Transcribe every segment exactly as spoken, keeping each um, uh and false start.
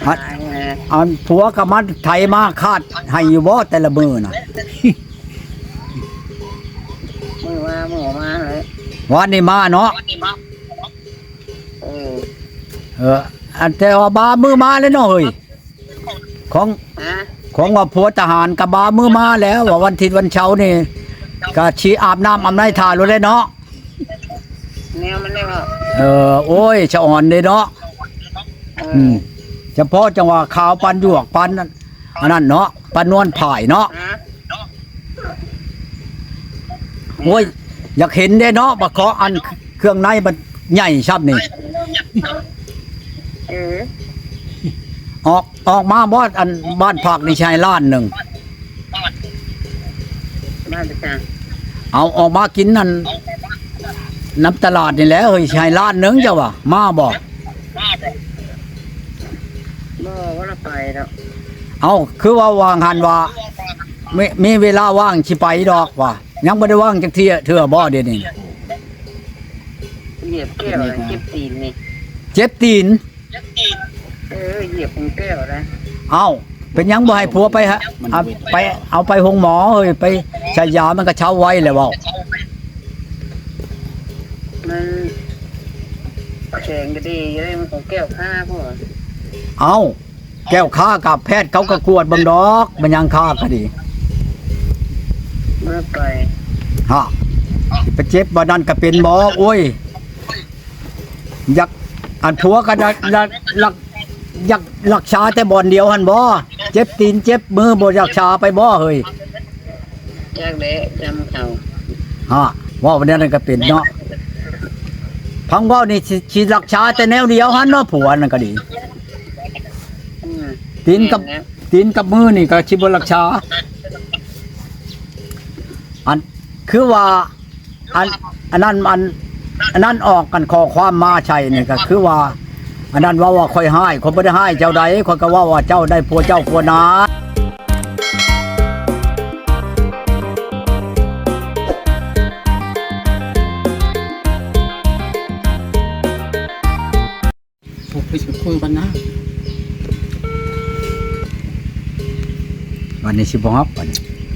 อันอันผัวกับมันไทยมาคาดให้อยู่บ่แต่ละมือน่ะมือมามือมาเลยวันนี้มาเนาะเออเอออันแต่ว่าบามือมาแล้วเนาะเฮ้ยของฮะของว่าผัวทหารกับบามือมาแล้วว่าวันอาทิตย์วันเช้านี่ก็ชีอาบน้ำอาบน้ำทารู้เลยเนาะแนวมันได้ว่าเออโอ้ยชะอ่อนเลยเนาะเออือมเฉพาะจังหวะขาวปันหยวกปันอันนั้นเนาะปันนวลผ่ายเนาะฮะโอ้ยอยากเห็นเด้เนาะบะเคาะอันเครื่องในมันใหญ่ชับนี่เออออกออกมาบอดอันบ้านผักนี่ชายล้านหนึ่งบ้านประจังเอาออกมากินนั่นน้ำตลาดนี่แหละเฮ้ยชายล้านหนึ่งเจ้าวะมาบ่บ่ว่าเราไปแล้วเอาคือว่าวางหันว่ามีมีเวลาว่างสิไปดอกว่ะยังบ่ได้ว่างจักเที่ยเทื่อบ่เดี๋ยวนี้เหยียบแก้วเลยเจ็บตีนนี่เจ็บตีนเออเหยียบของแก้วนะเอาเป็นหยังบ่ให้ผัวไปฮะเอาไปเอาไปหงหมอเฮ้ยไปใช้ยามันก็เช้าไว้แล้วเว้ามันแข็งก็ดีเลยมันของแก้วข้าพ่อเอาแก้วค้ากับแพทย์เขาก็กวดเบังดอกมันยังค้าก็ดีเมื่อไปฮะไปเจ็บบ่นั่นก็เป็นบ่โอ้ยอยากอันผัวก็อยากอยากอยากอยากรักษาแต่บ่อนเดียวหั่นบ่เจ็บตีนเจ็บมือบ่รักษาไปบ่เฮ้ยจากเละจำเขาฮะว่าวันนั้นก็เป็นเนาะพังเว้านี่สิสิรักษาแต่แนวเดียวหั่นเนาะผัวนั่นก็ดีอืมตีนกับตีนกับมือนี่ก็สิบ่รักษาอันคือว่าอันอันนั้นอันอันนั้นออกกันข้อความมาใช่นี่ก็คือว่าอันนั้นว่าว่าค่อยให้คนบ่ได้ให้เจ้าใดคนก็ว่าว่าเจ้าได้ผัวเจ้าผัวนาไปคุยกันนะวันนี้สิบ่ฮับวันนี้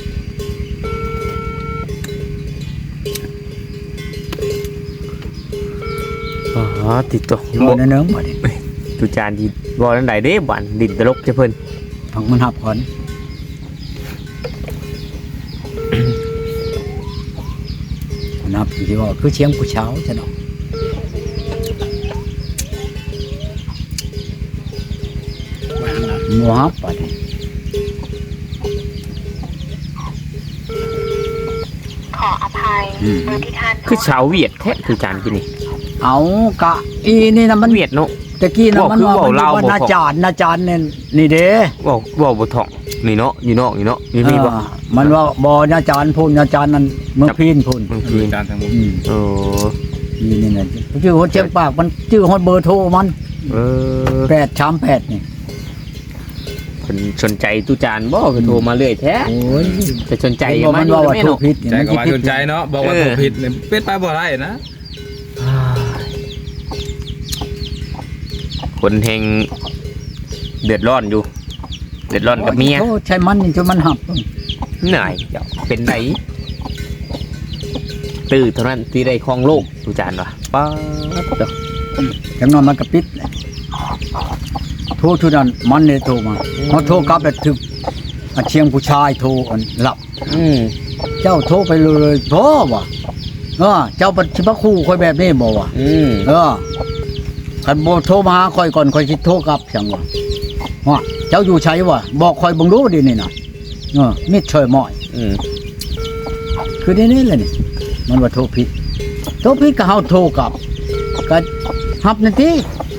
อ๋อติดตัวสิบ่เนึงบัดนี้ตุจานที่บ่นั่นใดเด้บันดินตลกจะเพิ่นพังมันฮับก่อนนับสิว่าคือเชียงผู้เช้าซะเนาะวางนะบ่ฮับบัดนี้ขออภัยเบอร์ที่ท่านโทรคือชาวเวียดแท้ตุจานกินนี่เอากะอีนี่นะมันเวียดเนาะตะกี้นะบอกมันคือว่าบอกมันลาวว่าบอกนาจารย์นาจารย์เนี่ยนี่เด้เว้าเว้าบ่ท่องนี่เนาะอยู่นอกอยู่เนาะนี่มีบ่เออมันว่าบ่นาจารย์พูนนาจารย์นั่นเมืองพีนพูนบางคืทีอการทางมุมอืมโอ้นี่นี่น่ะชื่อฮอดเชียงปากมันชื่อฮอดเบอร์โทรมันเออแปดสามแปดนี่เพิ่นสนใจตุจานบ่ก็โทรมาเรื่อยแท้โอ้ยแต่สนใจเห็นบ่มามันอยู่ว่าว่าแม่โทรเนาะผิดนี่ใจมันก็สิว่าผิดสนใจเนาะบอกว่าเออถูกผิดเนี่ยเป็นไปบ่ได้นะคนแห่งเดือดร้อนอยู่ เดือดร้อนกับเมียโอ้ใช่มันนี่จนมันหับเหนื่อยเจ้าเป็นไดตื่นเท่านั้นที่ได้ครองโลกตุจานว่ะป๊าดเด้อจังนั้นมันก็ปิดแหละโทรทุนั้นมันเนี่ยโทรมาพอโทรกลับแล้วถึกอันเชียงผู้ชายโทรอันหลับอืมเจ้าโทรไปเลยโทรว่ะเออเจ้าปัจจุบันคู่คอยแบบนี้บ่วะอืมเออคันบ่โทรมาหาคอยก่อนคอยสิโทรกลับจังวะว่าเจ้าอยู่ไสวะบอกคอยเบิ่งรู้ดินี่น่ะเออมิดช่วยหม้อยอืมคือนี่นี่แหละนี่มันว่าโทรผิดโทรผิดก็เฮาโทรกลับก็รับนั่นติ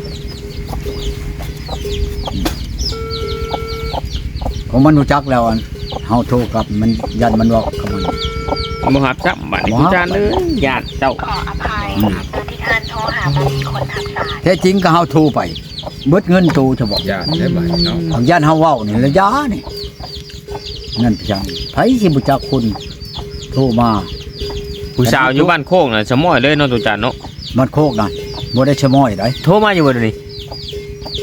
ของมันรู้จักแล้วอันเฮาโทรกลับมันยันมันว่ากับมันบ่ฮับจับบัดนี้บ่ตุฮับจานเด้อญาติเจ้าขออภัยเบอร์ที่ท่านโทรหาไม่มีคนทับสายแท้จริงก็เฮาโทรไปเบิดเงินตูจะบอกญาติได้บ่เนาะของญาติเฮาเว้านี่ระยะนี่นั่นพี่จังไผสิบ่จักคุณโทรมาผู้สาวอยู่บ้านโคกน่ะสมอยเลยเนาะตุจานเนาะมันโคกนะบ่ได้ชะม้อยได้โทรมาอยู่บ่เดี๋ยวนี้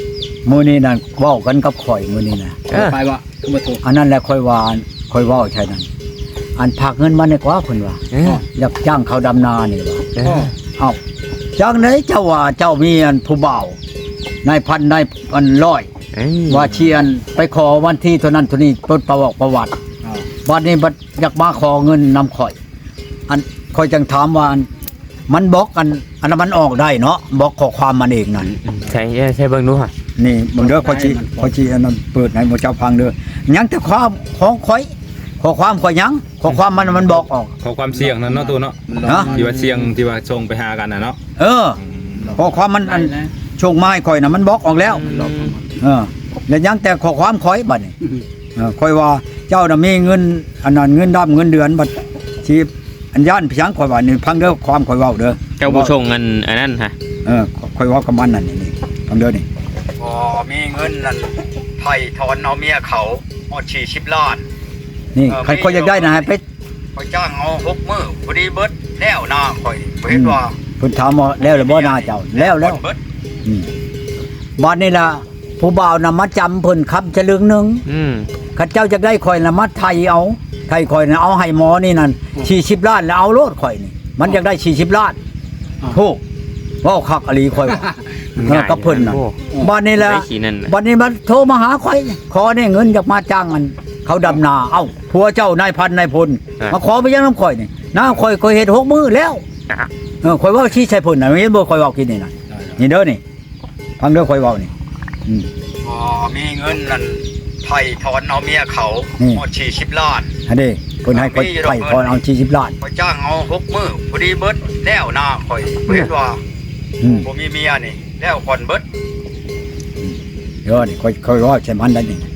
มื้อนี้นั่นเว้ากันกับข่อยมื้อนี้น่ะเออไปบ่ก็บ่ถูกอันนั้นแหละค่อยว่าค่อยเว้าใช่นั่นอันพากเงินมานี่กว่าเพิ่นว่าเอออยากจ้างเขาดำนานี่ว่าเออเอ้าจังไดเจ้าว่าเจ้ามีอันผู้บ่าวนายพันนายอันร้อยเอ้ยว่าเชียนไปขอวันที่เท่านั้นเท่านี้เปิดประวัติประวัติบัดนี้บัดอยากมาขอเงินนำข่อย อันข่อยจังถามว่าอันมันบล็อกอันอันนั้นมันออกได้เนาะบล็อกข้อความมันเองนั่นใช่ใช่เบิ่งดูฮะนี่เบิ่งเด้อข่อยสิข่อยสิอันนั้นเปิดให้หมู่เจ้าฟังเด้อยังแต่ความของข่อยข้อความข่อยยังข้อความมันมันบอกออกขอความเสี่ยงนั่นเนาะตัวเนาะฮะที่ว่าเสี่ยงที่ว่าส่งไปหากันน่ะเนาะเออข้อความมันอันโชงไม้ข่อยน่ะมันบอกออกแล้ว เออแล้วยังแต่ข้อความข่อยบัดนี้เออข่อยว่าเจ้าน่ะมีเงินอันนั้นเงินดำเงินเดือนบัดชีพอันย่านพี่ช้างข่อยว่านี่ฟังเด้อความข่อยเว้าเด้อเจ้าผู้ชงอันอันนั้นฮะเออข่อยเว้ากับมันนั่นนี่ฟังเด้อนี่บ่มีเงินนั่นไผถอนเอาเมียเขาฮอดสี่สิบล้านนี่ใครข่อยอยากได้นะให้ไปข่อยจ้างเอาหกมื้อพอดีเบิดแล้วนาข่อยบ่เห็นว่าเพิ่นถามว่าแล้วหรือบ่นาเจ้าแล้วแล้วอืมบัดนี้ล่ะผู้บ่าวน่ะมาจำเพิ่นคำฉลึงหนึงอืมข้าเจ้าจะได้ข่อยละมัดไทยเอาไทยข่อยนะเอาให้หมอนี่นั่นสี่สิบล้านแล้วเอาโลดข่อยนี่มันอยากได้สี่สิบล้านถูกเว่าคักอลีข่อยว่าเออกับเพิ่นน่ะโอ้บัดนี้แหละได้ขี้นั่นน่ะบัดนี้มันโทรมาหาข่อยขอได้เงินอยากมาจ้างมันเขาดำนาเอ้าผัวเจ้านายพันนายพลมาขอไปยังน้ำข่อยนี่น้าข่อยข่อยเฮ็ดหกมื้อแล้วอ่ะเออข่อยเว่าชี้ใส่เพิ่นน่ะเห็นบ่ข่อยเว้ากินนี่น่ะนี่เด้อนี่ฟังเด้อข่อยเว้านี่อืมบ่มีเงินนั่นไผถอนเอาเมียเขาหมดสี่สิบล้านอันนี้เพิ่นให้ข่อยไผถอนเอาสี่สิบล้านข่อยจ้างเอาหกมื้อพอดีเบิดแล้วนาข่อยเห็นว่าบ่มีเมียนี่แล้วก่อนเบิดเด้อนี่ข่อยข่อยเว้าใส่มันได้นี่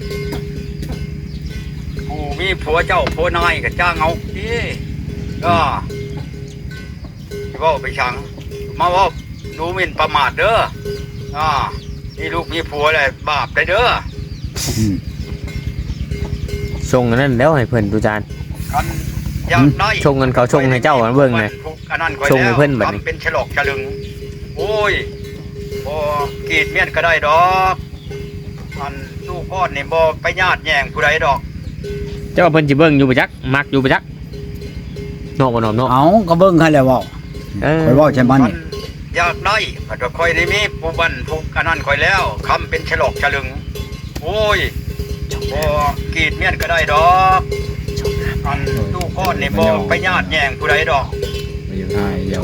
ผู้มีผัวเจ้าผัวนายก็จ้างเอาดิก็สิเว้าไปชังมาเว้าดูหมิ่นประมาทเด้ออ่านี่ลูกมีผัวแล้วบาปได้เด้อส่งอันนั้นแล้วให้เพิ่นดูจานกันอยากได้ชงเงินเขาชงให้เจ้าอันเบิ่งน่ะอันนั้นชงให้เพิ่นบัดนี้ทำเป็นฉลอกฉลึงโอ้ยบ่กรีดเมียนก็ได้ดอกอันลูกพ่อนี่บ่ไปญาติแย่งผู้ใดดอกเจ้าเพิ่นสิเบิ่งอยู่บ่จักมักอยู่บ่จักนอกบ่นอกเนาะเอาก็เบิ่งให้แล้วเว้าเออข่อยเว้าใช่มันนี่อยากได้ก็ค่อยได้มีผู้บันผู้อันนั้นค่อยแล้วคำเป็นฉลอกฉลึงโอ้ยบ่กรีดเมียนก็ได้ดอกอันลูกพ่อนี่บ่ไปญาติแย่งผู้ใดดอกไม่อยู่ง่ายเดียว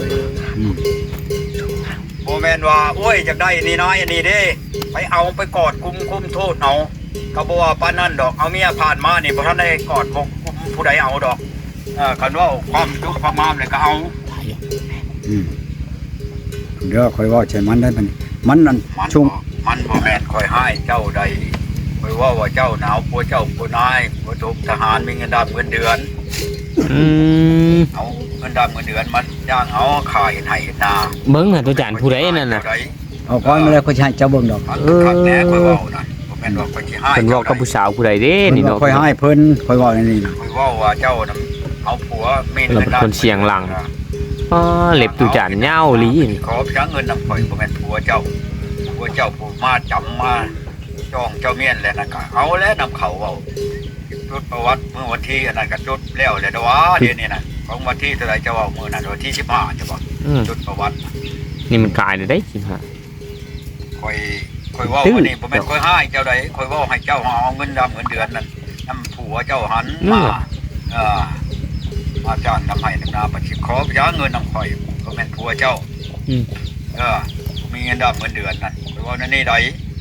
โมแมนว่าโอ้ยอยากได้นี่น้อยอันนี้เด้ไปเอาไปกอดคุมคุมโทษเอาก็บ่ว่าปานนั้นดอกเอาเมียผ่านมานี่บ่ทันได้กอดคุมคุมผู้ใดเอาดอกเออคันว่าความยุความงามเลยก็เอาอืมเด้อค่อยว่าใช่มันได้มันมันนั่นช่วงมันบ่แม่นค่อยให้เจ้าใดค่อยว่าว่าเจ้าหนาวผัวเจ้าผัวนายผัวถูกทหารมีเงินดำเงินเดือนอืมเอาเงินดำเงินเดือนมันจ้างเอาขายให้นาเบิ่งน่ะตัวจานผู้ใดนั่นน่ะเอาก้อนมาแล้วก็ใช้เจ้าเบิ่งดอกเออคักแหน่ค่อยเว้านั่นบ่แม่นว่าค่อยสิให้เพิ่นเว้ากับผู้สาวผู้ใดเด้นี่นี่เนาะค่อยให้เพิ่นค่อยเว้าในนี้นะค่อยเว้าว่าเจ้าน่ะเอาผัวมีเราเป็นคนเสียงหลัง อ๋อเล็บตัวจานยาวอีหลีนี่ขอพระเงินนำข่อยบ่แม่นผัวเจ้าผัวเจ้าผู้มาจำมาจ้องเจ้าเมียนแล้วนั่นก็เอาแล้วนำเขาเว้าจดประวัติเมื่อวันที่อันนั้นก็จดแล้วแหละนะวะเดี๋ยวนี้น่ะของวันที่เท่าไหร่จะเว้ามื้อนั้นวันที่สิบห้าจะบ่อืมจดประวัตินี่มันกลายได้สิฮะค่อยค่อยเว้าวันนี้บ่แม่นค่อยให้เจ้าใดค่อยเว้าให้เจ้าเอาเงินดำเงินเดือนนั่นนำผัวเจ้าหันมาเออมาจ้างนำให้นำนาประชิขอพระเงินนำข่อยบ่แม่นผัวเจ้าอืมเออมีเงินดำเงินเดือนนั่นค่อยเว้านั่นนี่ใด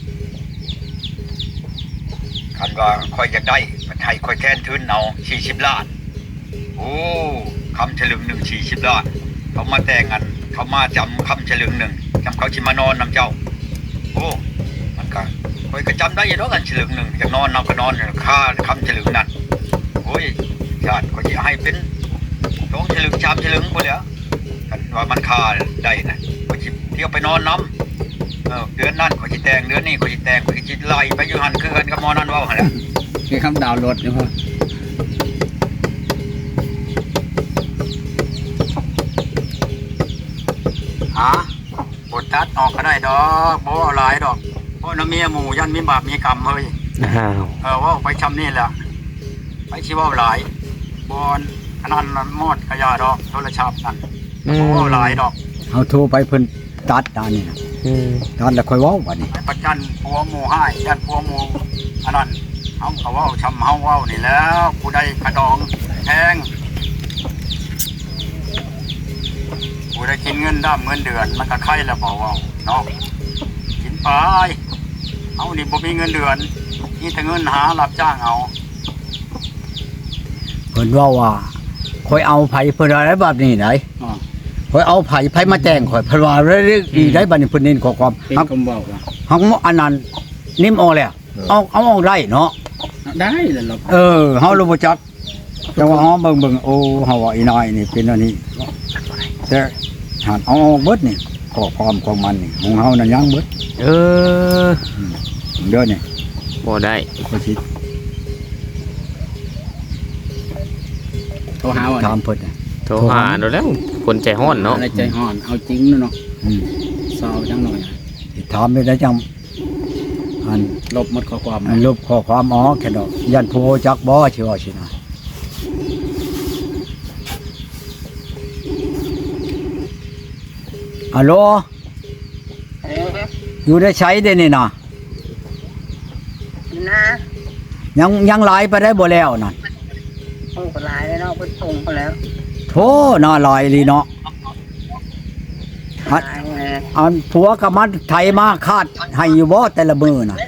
คันว่าค่อยอยากได้ประไทยค่อยแค้นทุนเอาสี่สิบล้านโอ้คำฉลึงหนึ่งสี่สิบล้านเขามาแต่งกันเขามาจำคำฉลึงหนึ่งจำเขาชิมานอนนำเจ้าโอ้มันก็ค่อยก็จำได้อยังน้อยกันฉลึงหนึ่งอยากนอนนอนก็นอนค่าคำฉลึงนั่นโอ้ยญาติก็จะให้เป็นสองฉลึงสามฉลึงหมดแล้วกันว่ามันค่าได้นะก็จะเที่ยวไปนอนน้ำเออเดือนนั้นก็จะแต่งเดือนนี้ก็จะแต่งก็จะไล่ไปอยู่หันคือกันกับหมอนั่นว่าหั่นแหละคือคำดาวน์โหลดนะพ่อฮะบทตัดออกก็ได้ดอกบ่เอาหลายดอกเพราะน้ำเมียหมู่ยันมีบาปมีกรรมเฮ้ยอ้าวเออว่าไปชำนี่แหละไปชิเว่าหลายบอนอันนั้นมันมอดกระยาดอกโทรศัพท์นั่นอืโอ้มหลายดอกเอาโทรไปเพิ่นตัดตานี่นะอืมตัดแล้วค่อยเว้าบัดนี้ประจันผัวหมู่ให้ยันผัวหมู่อันนั้นเฮาก็เว้าชำเฮาเว้านี่แล้วผู้ใดกระดองแทงผู้ใดกินเงินด้ามเงินเดือนมันก็ไข่แล้วบ่เว้าเนาะกินไปเอานี่บ่มีเงินเดือนนี่แต่เงินหารับจ้างเอาเพิ่นว่าว่าค่อยเอาไผเพิ่นอะไรแบบนี้ไหนค่อยเอาไผไผมาแจ้งข่อยเพิ่นว่าเรื่องอีได้บัดนี้เพิ่นเน้นข้อความเป็นฮักคำบอกว่าฮักอันนั้นนิ่มออกแล้วเอาเอาออกได้เนาะได้แล้วเราเออเฮารู้บ่จักแต่ว่าเฮาเบิ่งเบิ่งโอ้เฮาว่าอีน้อยนี่เป็นอันนี้แต่หากเอาออกเบิดนี่ข้อความของมันนี่ของเฮานั่นยังเบิดเออเด้อนี่บ่ได้ก็สิโทรหาว่าถามเพิ่นน่ะโทรหาเราแล้วคนใจร้อนเนาะอะไรใจห่อนเอาจริงเนาะอืมสาวจังหน่อยสิถามไปได้จังอันลบหมดข้อความอันลบข้อความอ๋อแค่ดอกยันผู้จักบ่สิว่าสินะฮัลโหลอยู่ได้ใช้ได้นี่นะนะยังยังหลายไปได้บ่แล้วนั่นโอ้ก็หลายแล้วเนาะเพิ่นส่งไปแล้วโธ่น่าหลายลีเนาะหลายแน่อันผัวกับมันไทยมาคาดให้อยู่บ่แต่ละมื้อน่ะ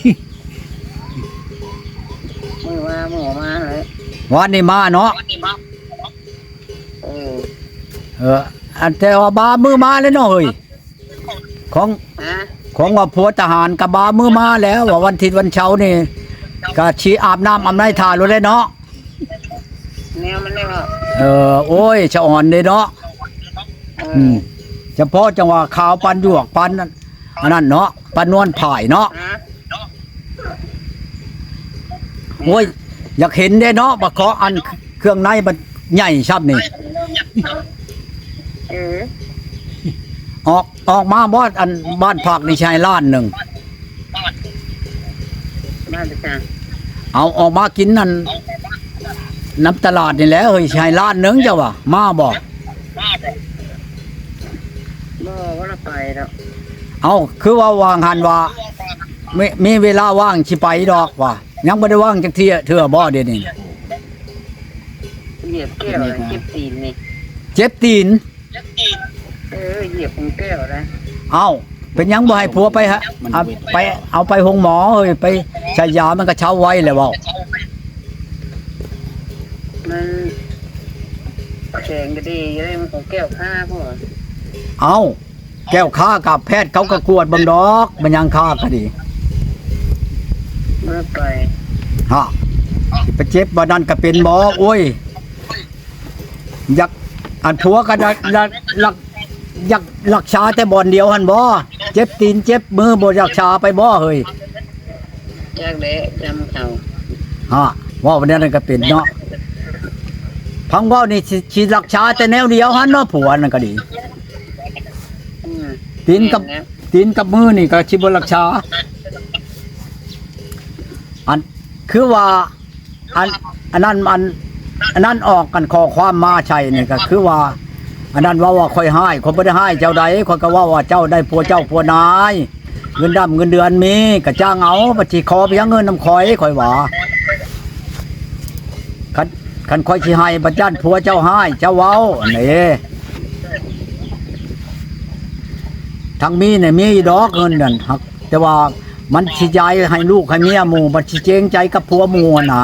มือมาหมูมาเลยวันนี้มาเนาะเออเอออันแต่ว่าบามือมาแล้วเนาะเฮ้ยของฮะของว่าผัวทหารกับบามือมาแล้วว่าวันอาทิตย์วันเช้าร์นี่ก็ชีอาบน้ำอาบในทารู้เลยเนาะแนวมันเลยว่าเออโอ้ยชะอ่อนเลยเนาะเออือมเฉพาะจังหวะขาวปันหยวกปันนั่นอันนั้นเนาะปันนวลผายเนาะฮะโอ้ยอยากเห็นได้เนาะบะเคาะอันเครื่องในมันใหญ่ชับนี่เออออกออกมาบอดอันบ้านผักนี่ชายล้านหนึ่งมาจะจ้าเอาออกมากินนั่นน้ำตลาดนี่แหละเฮ้ยชายล้านหนึ่งเจ้าวะมาบอกบ่ว่าเราไปแล้วเอาคือว่าวางหันว่ามีมีเวลาว่างสิไปดอกว่ะยังไม่ได้ว่างจักเที่ยเถื่อบ่เดี๋ยวนี้เหยียบแก้วเลยเก็บตีนนี่เจ็บตีนเออเหยียบของแก้วนะเอาเป็นหยังบ่ให้ผัวไปฮะเอาไปเอาไปหงหมอเฮ้ยไปใช้ยามันก็เช้าไว้เลยเว่ามันแข็งก็ดีเลยมันของแก้วผ้าพวกเอาแก้วค้ากับแพทย์เขาก็กวดเบังดอกมันยังค้าก็ดีเมื่อไปฮะสิไปเจ็บบ่นั่นก็เป็นบ่โอ้ยอยากอันผัวก็ได้ได้รักอยากรักษาแต่บ่อนเดียวหั่นบ่เจ็บตีนเจ็บมือบ่รักษาไปบ่เฮ้ยจากเละจำเขาฮะว่าวันนั้นก็เป็นเนาะพังเว้านี่สิสิรักษาแต่แนวเดียวหั่นเนาะผัวนั่นก็ดีอืมตีนกับตีนกับมือนี่ก็สิบ่รักษาอันคือว่าอันอันนั้นมันอันนั้นออกกันข้อความมาใช่นี่ก็คือว่า อันนั้นว่าว่าค่อยให้คนบ่ได้ให้เจ้าใดคนก็ว่าว่าเจ้าได้ผัวเจ้าผัวนายเงินดำเงินเดือนมีก็จ้างเอาบัดสิขอไปยังเงินนำข่อยข่อยว่าคันคันข่อยสิให้บัดย่านผัวเจ้าให้เจ้าเว้าอันนี้ทางมีเนี่ยมีดอกเงินนั่นฮักแต่ว่ามันสิย้ายให้ลูกให้เมียหมู่บัดสิเจงใจกับผัวหมู่น่ะ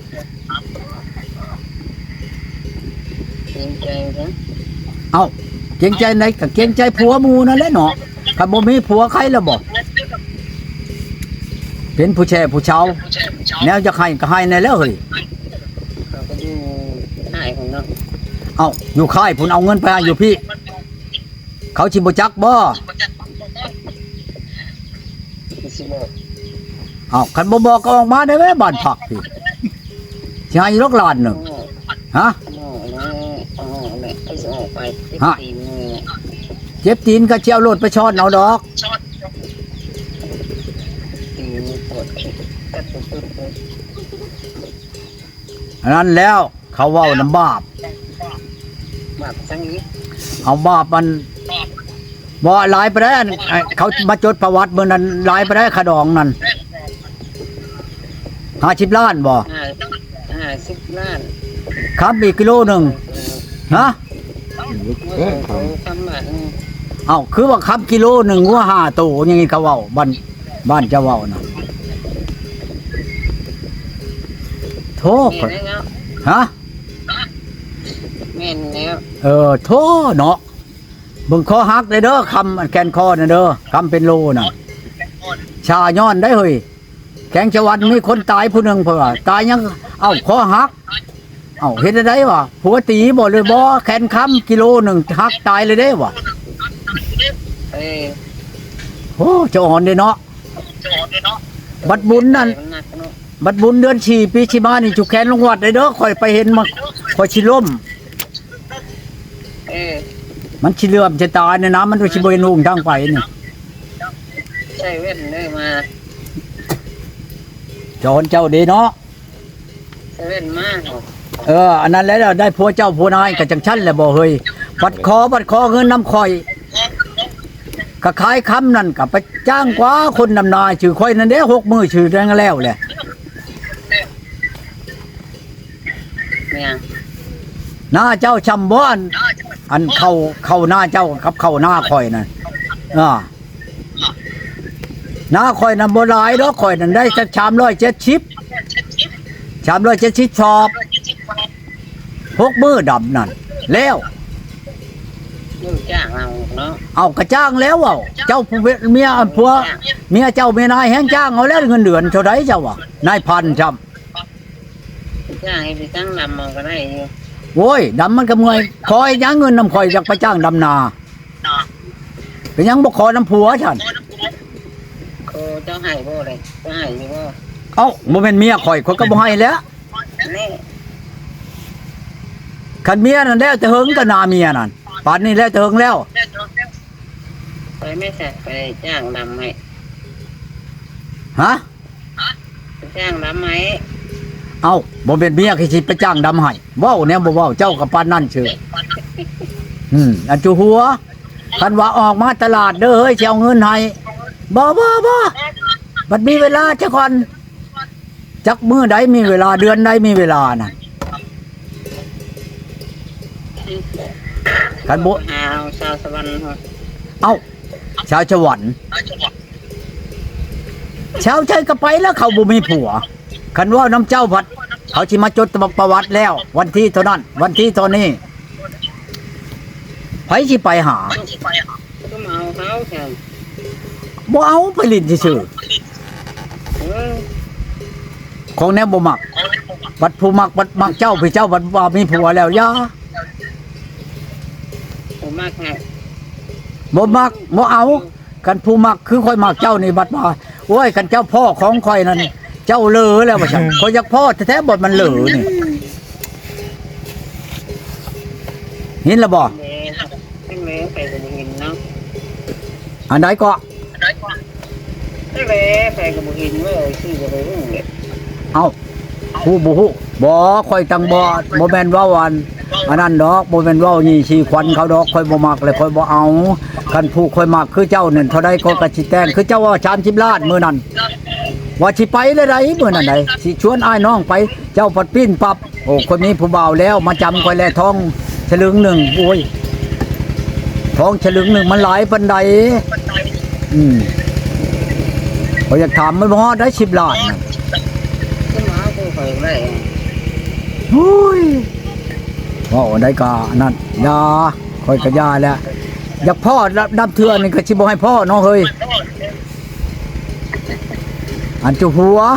เกรงใจนะเอ้าเกรงใจไหนก็เกรงใจผัวหมู่นั่นแหละเนาะถ้าบ่มีผัวใครแล้วบ่เป็นผู้แช่ผู้เชาแนวจะให้ก็ให้ในแล้วเฮ้ยเขาก็อยู่หายของเนาะเอ้าอยู่ค่ายพุ่นเอาเงินไปให้อยู่พี่ เขาสิบ่จักบ่สิบอกเอ้าคันบ่บอกก็ออกมาได้แม่บ้านพักพี่สิให้ลูกหลานหนึงฮะหม้อแล้วเอาหม้อแม่ไปสิออกไปติดฮะตีนมือเจ็บตีนก็สิเอารถไปช้อนเอาดอกตัดสุดๆเลยอันนั้นแล้วเขาเว้าน้ำบาปแบบทั้งนี้เอาบาปมันบ่หลายไปได้อันไอ้เขามาจดประวัติเมื่อนั้นหลายไปได้ขะดองนั่นห้าสิบล้านบ่ห้าห้าสิบล้านครับอีกกิโลหนึ่งฮะเมื่อเขาทำมาเอ้าคือว่าครับกิโลหนึ่งว่าห้าตู้อย่างงี้เขาเว้าบ้านบ้านเจ้าเว้าน่ะโทษแม่นแล้วฮะแม่นแล้วเออโทษเนาะเบิ่งคอหักเลยเด้อคำอันแกนคอน่ะเด้อคำเป็นโลน่ะชาย้อนได้เฮ้ยแข็งชวันมีคนตายผู้หนึงเพิ่นว่าตายยังเอ้าคอหักเอ้าเฮ็ดได้วะผัวตีบ่เลยบ่แขนค้ำกิโลหนึ่งหักตายเลยเด้วะเอ้ยโอ้เจ้าอ่อนเด้เนาะบัดบุญนั่นมันหนักเนาะบัดบุญเดือนสี่ปีชิมานี่จุกแขนลงวัดเลยเด้อข่อยไปเห็นมาข่อยสิล้มเอ้ยมันสิเลื่อมจะตายเนี่ยนะมันสิบ่เห็นหุ่งทางไปนี่ใช่เว้นเลยมาเจ้าอ่อนเจ้าเด้เนาะใช่เว้นมากเอออันนั้นแล้วได้ผัวเจ้าผัวนายก็จังชั้นแหละบ่เฮ้ยบัดคอบัดคอเงินน้ำข่อยก็ขายคำนั่นก็ไปจ้างกว่าคนนำนาชื่อข่อยนั่นเด้หกมื้อชื่อแรงแล้วแหละเนี่ยหน้าเจ้าชำบ่อันอันเข้าเข้าหน้าเจ้ากับเข้าหน้าข่อยนั่นอ่าหน้าข่อยนั่นบ่หลายดอกข่อยนั่นได้สักสามร้อยเจ็ดสิบ สามร้อยเจ็ดสิบชอบหกมื้อดำนั่นแล้วอยู่จ้างเราเนาะเอากระจ้างแล้วเอาเจ้าผู้เมียผัวเมียเจ้าเมียนายแห้งจ้างเอาแล้วเงินเดือนเท่าใดเจ้าว่านายพันจำจ้างให้ไปตั้งนำมันก็ได้อยู่โว้ยดำมันก็เมื่อยคอยยังเงินนำคอยอยากไปจ้างดำนาเป็นยังบ่ขอน้ำผัวฉันโคเจ้าให้บ่เลยเจ้าให้อยู่บ่เอ้าบ่แม่นเมียข่อยข่อยก็บ่ให้แล้วนี่คันเมียนั่นแล้วแต่เฮิงก็นาเมียนั่นป่านนี้แล้วแต่เฮิงแล้วไปไม่ใช่ไปจ้างนำให้ฮะไปจ้างนำให้เอ้าบ่เป็นเมียคือสิไปจ้างดำให้เว้าแนวบ่เว้าเจ้ากับปานนั่นเชื่ออืมอันจูหัวคันว่าออกมาตลาดเด้อเฮ้ยสิเอาเงินให้บ่บ่บ่บัดมีเวลาจักก่อนจักมื้อใดมีเวลาเดือนใดมีเวลาน่ะคันบ่หาเอาชาวสวรรค์เหรอเอ้าชาวสวรรค์ชาวใจก็ไปแล้วเขาบ่มีผัวคันว่าน้ำเจ้าพัดเขาสิมาจดประวัติแล้ว วันที่เท่านั้น วันที่เท่านี้ไผสิไปหาก็มาเอาเขาแทนบ่เอาไปลิ้นซื่อเออๆของแนวบ่มักบัดผู้มักบัดมักเจ้าพี่เจ้าบัดว่ามีผัวแล้วอย่าผมมากไงบ่มักบ่เอากันผู้มักคือค่อยมักเจ้านี่บัดว่าโอ้ยกันเจ้าพ่อของค่อยนั่นเจ้าเลอแล้วว่าซั่นข่อยอยากพ่อแท้ๆบ่มันเลอนี่เห็นแล้วบ่เมย์ไม่เมย์ไปกับบุหินเนาะอันใดก็ไม่เมย์ไปกับบุหินเว้ยชื่อจะไปรุ่งเนี่ยเอ้าผู้บ่ฮู้บ่ค่อยตังบ่บ่แม่นว่าวันอันนั้นดอกบ่แม่นเว้านี่สิควันเขาดอกค่อยบ่มักเลยค่อยบ่เอาคันผู้ค่อยมักคือเจ้านั่นเท่าใดก็กะสิแต่งคือเจ้าว่าสามสิบล้านมื้อนั้นว่าสิไปได้ไดมื้อนั้นไดสิชวนอ้ายน้องไปเจ้าปัดปิ้นปับโอ้คนนี้ผู้บ่าวแล้วมาจำค่อยแลทองฉลึงหนึ่งโอ้ยทองฉลึงหนึ่งมันหลายปานใดอืมข้อยอยากถามมันบ่ฮอดได้สิบล้านน่ะก็มาผู้เคยได้โอ้ยว่าได้กานั่นยาค่อยกะยาแล้วอยากพ่อดับเทือนี่ก็สิบ่ให้พ่อเนาะเฮ้ยอันจุหัว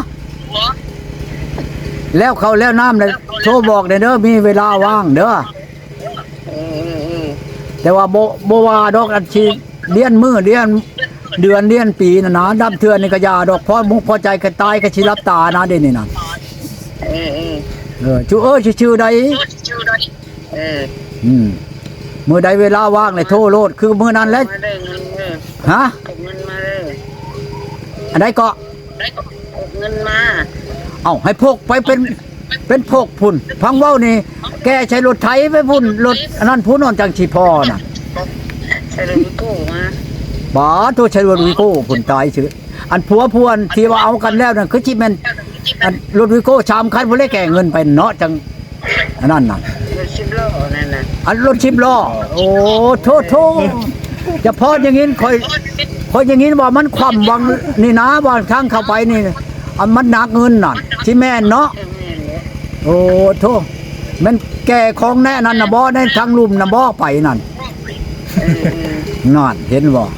แล้วเขาแล้วน้ำเลยโทรบอกเด้อเด้อมีเวลาว่างเด้อเออเออเออแต่ว่าบ่บ่ว่าดอกอันสิเรียนมื้อเรียนเดือนเรียนปีน่ะนะดับเทือนี่ก็ยาดอกพอมุกพอใจก็ตายก็สิรับตานะเด้นี่น่ะเออเออเออจุเอ้ยชื่อใดเอออืมมื้อใดเวลาว่างเลยโทรโลดคือมื้อนั้นแหละมาได้เงินเออฮะเก็บเงินมาเลยอันใดก็เกเงินมาเอ้าให้พกไปเป็นเป็นพกพุ่นพังเว้านี่แกใช้รถไถไปพุ่นรถอันนั้นพุ่นนอนจังสิพอน่ะใช่เลยกู้มาบ่ตัวใช้รถวิโก้พุ่นตายซื่ออันผัวพวนที่ว่าเอากันแล้วนั่นคือสิแม่นอันรถวิโก้ชามคันบ่ได้แก่เงินไปเนาะจังอันนั้นน่ะรถสิบล้อนั่นน่ะอันรถสิบล้อโอ้โทษโทษจะพออย่างงี้คอยคอยอย่างงี้ว่ามันคว่ำวังนี่นะว่าทางเข้าไปนี่อันมันหนักเงินน่ะสิแม่นเนาะเออแม่นเลยโอ้โทษมันแก่ของแน่นั่นน่ะบ่ได้ทางลุ่มน่ะบ่ไปนั่นเออเออนั่นเห็นบ่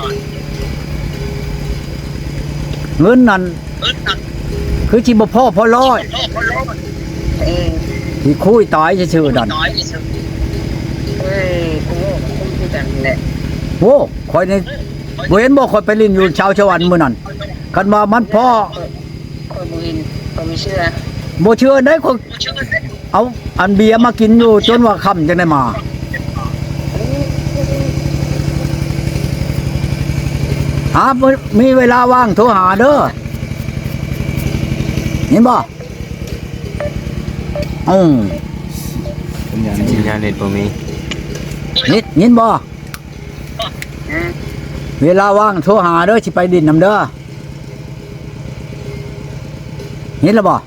เงินนั่นคือสิบ่พอพอร้อยเออที่คุยตายซื่อๆนั่นเฮ้ยกูคุ้มที่กันแหละโอ้ข่อยนี่บ่เห็นบ่ข่อยไปลิ้นอยู่ชาวชวันมื้อนั้นคันว่ามันพอคอยบุญคอยไม่เชื่อบ่เชื่อได้ข่อยเอาอันเบียร์มากินอยู่จนว่าค่ำจังได้มาหามีเวลาว่างโทรหาเด้อเห็นบ่อือสัญญาณสัญญาณเน็ตบ่มีนิดยินบ่ฮะเวลาว่างโทรหาเด้อสิไปดินนำเด้อเห็นแล้วบ่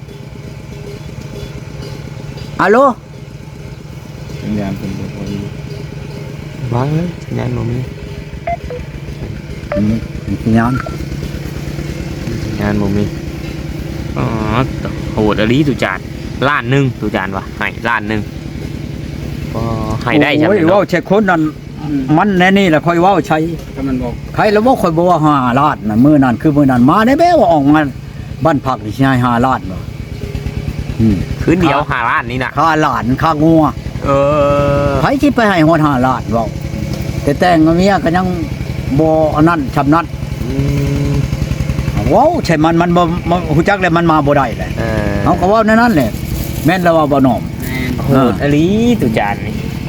อะโหลสัญญาณเป็นบ่พอดีวางเลยสัญญาณบ่มีอืมสัญญาณสัญญาณบ่มีอ๋อโหดอลีตุจานล้านหนึงตุจานวะให้ล้านหนึงก็ให้ได้ใช่ไหมโอ้ยเนาะเว้าใช่คนนั้นมันแน่นี่แหละค่อยเว้าใช้ถ้ามันบอกใครแล้วบ่ค่อยบ่ว่าห้าล้านน่ะมื้อนั้นคือมื้อนั้นมาได้แม้ว่าออกมาบ้านพักนี่สิให้ห้าล้านบ่อืมคืนเดียวห้าล้านนี่น่ะค่าหลานค่างัวเออไผสิไปให้ฮอดห้าล้านเว้าแต่แต่งกับเมียก็ยังบ่อันนั้นชำนัดอืมเว้าใช่มันมันบ่บ่ฮู้จักแล้วมันมาบ่ได้แหละเออเฮาก็เว้าแนวนั้นแหละแม่นแล้วว่าบ่น้อมโหดอลีตุจานนี่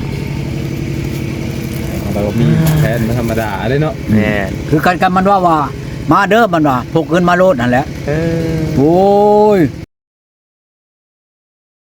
เรามีแผนธรรมดาเลยเนาะแม่คือกันกันมันว่าว่ามาเด้อมันว่าพกเงินมาโลดนั่นแหละเออโอ้ย